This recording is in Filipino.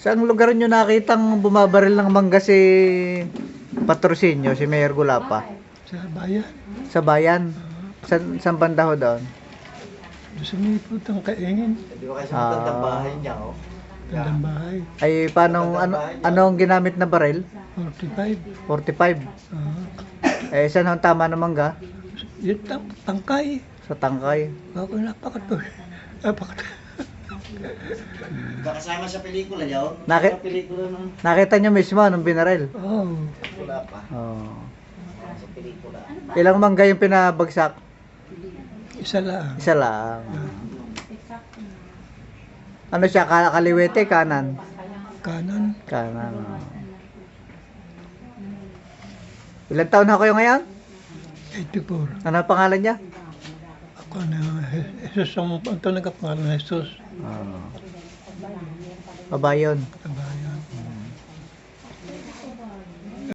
Saan lugar nyo nakitang bumabaril ng mangga si Patrocinio, si Mayor Gulapa? Sa bayan. Sa bayan? Saan banda ho doon? Doon sa may putang kaingin. Di ba kasi matandang bahay niya, oh? Tandang bahay. Ay, paano, ano ang ginamit na baril? 45. 45. Eh, saan ang tama ng mangga? Yung tangkay. Sa tangkay. Ako napakato. Napakato. Kasama sa pelikula niya, oh? Naki- Sa pelikula ng Nakita nyo mismo nung binaril? Oh. wala pa. Oh. Sa pelikula. Ilang mangga yung pinabagsak? Isa lang. Isa lang. Ano siya, kaliwete, kanan? Kanan. Kanan. Ilan taon na kayo ngayon? 84. Ano ang pangalan niya? Ako na, Jesus ang ito nagkapangalan na Jesus. Babayon. Ang